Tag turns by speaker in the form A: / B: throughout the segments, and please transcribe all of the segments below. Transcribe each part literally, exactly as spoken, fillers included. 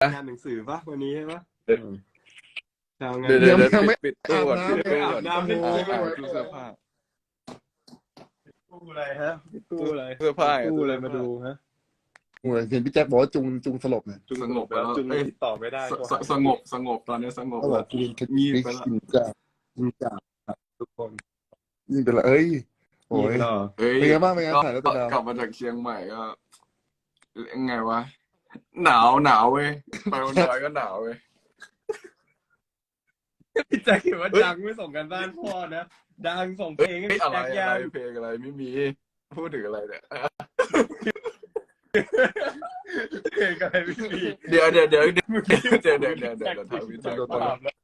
A: งานหนังสือปะวันนี้ใช่ปะทำงาน
B: เดี๋ยวเดี๋ยว
C: ยังไม่
B: ปิดตู้ก่อนปิดตู้
A: อา
B: ก่อบ น
A: น้ำไม่
B: อ่า
A: ได้
B: อ่าตู้เสื้อผ้า
A: ตู้อะไรฮะตู้อะไร
B: เสื้อผ้า
A: ตู้อะไรมาดูฮะ
C: โอ้ยเห็นพี่แจ็คบอกว่าจุงจุงสลบเนี่ย
A: จุงสงบแล้วจุงติดต่อไม่ได้
B: สสงบสงบตอนนี้สงบ
C: เขาบอ
B: แล้
C: ก
B: ว
C: กูเป็น
B: งีบไปแล้ว
C: กินจ้ากินจ้าทุกคนยิ่งเป็นละเอ้ยโอ้ย
B: เฮ้ย
C: เป็นไงบ้างเป็นไงถ่ายแล้วเป็นไง
B: กลับมาจากเชียงใหม่ก็ยังไงวะหนาวหนาวเว้ยไปบนดอยก็หนาวเว้ย
A: พี่แจ็คเห็นว่าดังไม่ส่งกันบ้านพ่อนะดังส่งเพลงให้
B: เฮ้ย
A: พี่
B: อะไร
A: แจ็ค
B: อะ
A: ยั
B: ไรง เพลงอะไรไม่มีพูดถึงอะไรเนี่ย
A: เพลงอะไรไม่มี
B: เดี๋ยวเดี๋ยวเดี๋ยวเดี๋ยวเดี๋ยวเดี๋ยวเดี๋ยวเดี๋ยวเดี๋ยวทำวิจัยก่อน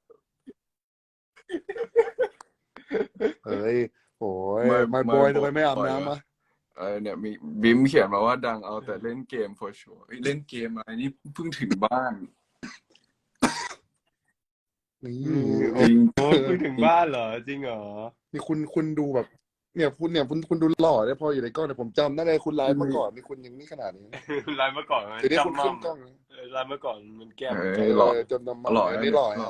C: เอ้ยโอ้ยมาบอยทำไมไม่อาบน้ำอ่ะ
B: เออเนี่ยมีบิมเขียนมาว่าดังเอาแต่เล่นเกม for sure เฮ้ยเล่นเกมอะไรนี่เพิ่งถึงบ้าน
C: นี่
B: จริง
A: โอ้ยถึงบ้านเหรอจริงเหรอ
C: นี่คุณคุณดูแบบ เนี่ยคุณเนี่ยคุณคุณดูหล่อได้พออยู่ในกล้องเนี่ยผมจำได้เลยคุณไลฟ์เมื่อก่อนนี่คุณยังนี่ขนาดนี้
A: ไลน์เมื่อก่อนมัน
C: เดี๋ยวนี้คุณ
A: จำมั่
C: ขึ้
A: ม
C: นกล้อง
A: ไลน์เมื่อก่อนมันแก้ม
B: เอ
C: เอ
B: อหล่อ
C: อจนนำมา
B: หล่อ
C: อันนี้หล่อ
B: หล่อ
C: อ่ะ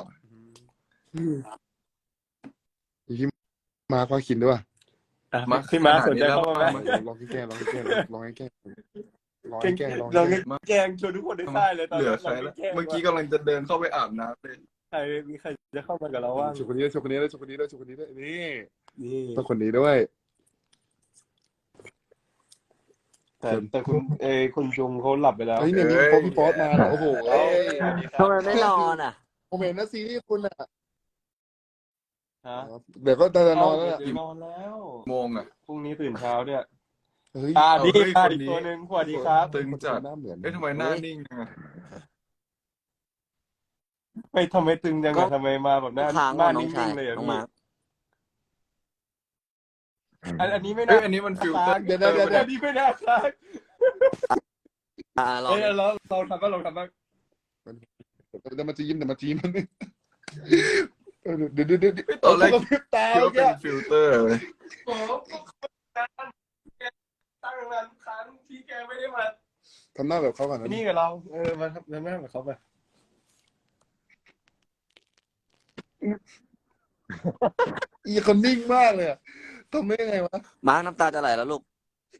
C: พี่มาควาคินด้วย
A: อ่ะพี่มาสนใจเข้ามาไหม
C: ลองแกล้งลองแกล้งลองแกล้งลอง
A: เก่ง
C: แกล้งลอง
A: เรา
C: แกล้ง
A: แกล้งชวนทุกคนได้ได้เลยตอน
B: เหลื
A: นี้
B: อใคร
A: เรา
B: แล้ว
A: แกล้ง
B: เมื่อกี้กำลังจะเดินเข้าไปอาบน้ำเลย
A: ใครมีใครจะเข้ามากับเราว่าง
C: ชุดคนนี้ด้วยชุดคนนี้ด้วยชุดคนนี้ด้วยชุดคนนี้ด้วยนี่
A: นี่
C: ต้องคนนี้ด้วย
A: แต่แต่คุณเออคุณจุงเขาหลับไปแล้ว
C: เฮ้ยเนี่ยมีโป๊พี่ป๊อตมาเหรอโอ้โหเอ้ย
D: ทำไมไม่นอนอ่ะ
C: ผมเห็นนะซีรีส์คุณอ่ะ
A: ฮะ
C: เดี๋ยวก็จะนอนแล้ว
A: เดี๋ยวนอนแล้ว
B: โมงอ่ะ
A: พรุ่งนี้ตื่นเช้าเนี่ย
C: เฮ้ย
A: อ่าดี
B: เฮ้ย
A: ค่ะ
B: คน
A: อีก
B: นี้
A: ตัวหนึ่งสวัสดีครับ
B: ตึงจัด
C: หน้าเหมือน
B: เอ๊ะทำไมหน้านิ่งจังอะ
A: ไม่ทำไมตึงจัง
D: ก็
A: อะทำไมมาแบบหน้า
D: ค้าง
A: หน้า
D: น้อ
A: นิ่
D: งชาย
A: งๆเลยอะ
D: น้อง
A: พี่
D: มา
A: อันอันนี้ไม่
B: เอ้
A: น่าย
B: อันนี้มันฟิลเตอร์
C: เดี๋ยวเดี๋ยวเดี๋ยว
A: อันนี้ไม่น่าค้าง
D: อ่าลอง
A: เอ้ยเราเราทำบ้างเราทำบ้าง
C: เดี๋ยวมันจะยิ้มเดี๋ยวมันจะยิ้มมันเดี๋ยวเดี๋ยวเดี๋ยวเดี๋ยว
B: ตอนแรก
C: เขาพริบตา
B: คิดว่าเป็
C: แก
B: นฟิลเตอร์เลย
A: โอ้โหตั้งนานครั้งที่แกไม่ได้มา
C: ทำหน้าแบบเขาก่อนนะ
A: นี่กับเรา เออ มาทำหน้ากับเขาไป
C: อีคนนิ่งมากเลยอะทำได้ไงวะ
D: มาร์คน้ำตาจะไหลแล้วลูก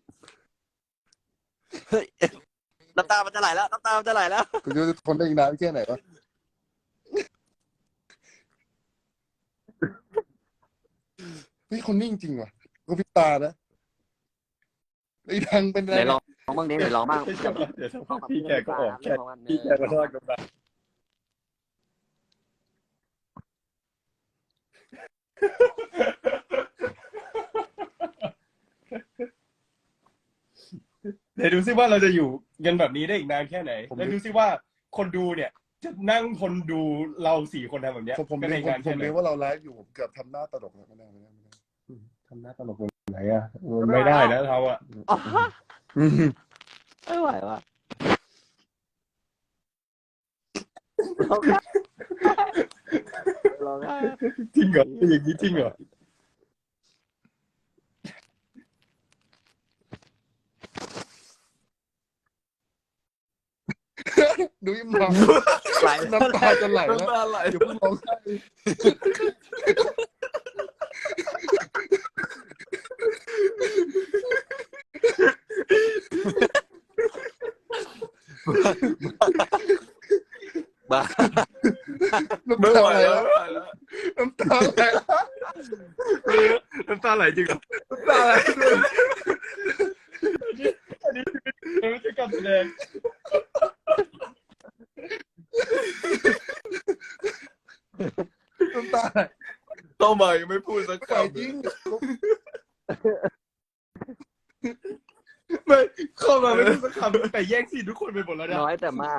D: เฮ้ย น้ำตามันจะไหลแล้ว น้ำตามันจะไหลแล้ว
C: คุณจะทนได้อีกนานแค่ไหนวะเฮ้ยคนนิ่งจริงว่ะก็พริบตานะไอ้ดังเป็นอะไร
D: เดี๋ยวลองลองบ้างดิเดี๋ยวลองบ้าง
A: เดี๋ยวสักพักพี่แกก็ออกแค่พี่แกก็ทอดกันไปเดี๋ยวดูซิว่าเราจะอยู่กันแบบนี้ได้อีกนานแค่ไหน แล้วดูซิว่าคนดูเนี่ย จะนั่งคนดูเราสี่คนทำแบบเนี้ย
C: ผมผม
A: กัน
C: เรี
A: ได้
C: ย
A: อี
C: ก
A: กนาน
C: ผ
A: แค่
C: ม
A: ไหน
C: เรียกว่าเราไลฟ์อยู่ผมเกือบทำหน้าตลกแล้วไม่ได้ไม่ได้ไม่ได้
A: ทำหน้าตลกตรงไหนอ่ะมันไม่ได้นะเราอ่ะ
D: ไม่ไหวว่ะ ร้องไห้
A: จริงเหรออย่างนี้จริงเหรอ
C: ดูยิ้มมอง
D: ไหล
C: น้ำตาจะไหลแล้ว
B: น้ำตาไหล
C: อย่าเพิ่งร้องไห้
D: บ้า
C: น้ำ
B: ไม่
C: ตา
B: ไหว
C: ไหล
B: แล้
C: แล้ว ว
B: ไม่ไหวแล้ว
C: น้ำตาไหลแล้ว
A: น้ำตาไหลจริงเหรอ
B: น้ำตาไหลด้วย
A: อันนี้ไม่ใช่การแสดง
C: น้ำตาไหล
B: เข้ามายังไม่พูดสัก
C: ไหล
B: คำ
C: จริง
A: ไม่เข้ามาไม่ได้สักคำแต่แย่งซีนทุกคนไปหมดแล้วนะ
D: น้อยแต่มาก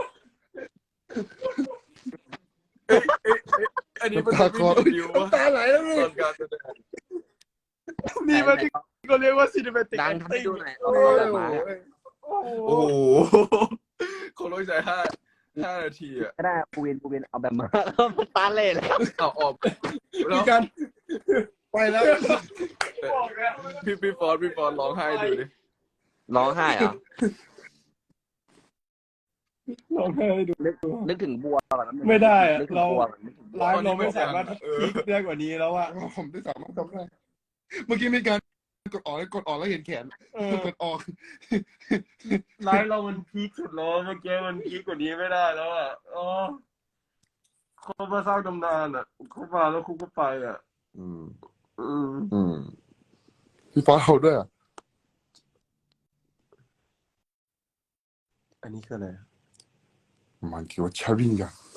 B: เอ้ยเอ้ยเอ้ยอันนี้มัน
C: น้ำตา
B: ไม่
C: คอ
B: มีดิววะ
C: น้ำตาไหลแล้วนี่
B: ตอนการแสดง
A: นี่มันที่เขาเรียกว่าซีนิเมติก
D: ดั
A: แอง ค
D: ทำให้
A: ติ้ง
D: ดูหน่อย
C: โอ้
D: เอา
C: ย
D: แบบมาเนี่ย
A: โอ้โห
B: โอ้โหเขาลงใจห้าห้านาทีอ่ะ
D: ก็ได้ปูเวนปูเวนเอาแบบมาตาเล่เลย
B: เอาออกแล้
A: มี
B: ว
A: การ
C: ไปแล้ว
A: บอกแล้ว
B: พี่พี่ฟอนพี่ฟอนร้องไห้ดูดิ
D: ร้องไห้เหรอ
A: ร้องไห้ให้ดู
D: นึกนึกถึงบัวก่อนนะ
A: ไม่ได้อะ
D: นึกถึง
A: เรา
D: บัวก่อนนึกถึงบัว
A: ไลฟ์เราไม่สามารถพีคได้กว่านี้แล้วอะ
C: ผมได้สามารถทำได้เมื่อกี้มีการกดออกกดออกแล้วเห็นแขน
A: เออก
C: ดออก
A: ไลฟ์เรามันพีคสุดแล้วเมื่อกี้มันพีคกว่านี้ไม่ได้แล้วอะอ๋อเขามาสร้างตำนานอะเขามาแล้วเขาก็ไปอะ
C: อืม
A: อืม
C: อืมพี่ฟ้าเอาด้วยอ่ะ
A: อันนี้คืออะไร
C: มันคิดว่าชาวิงกัน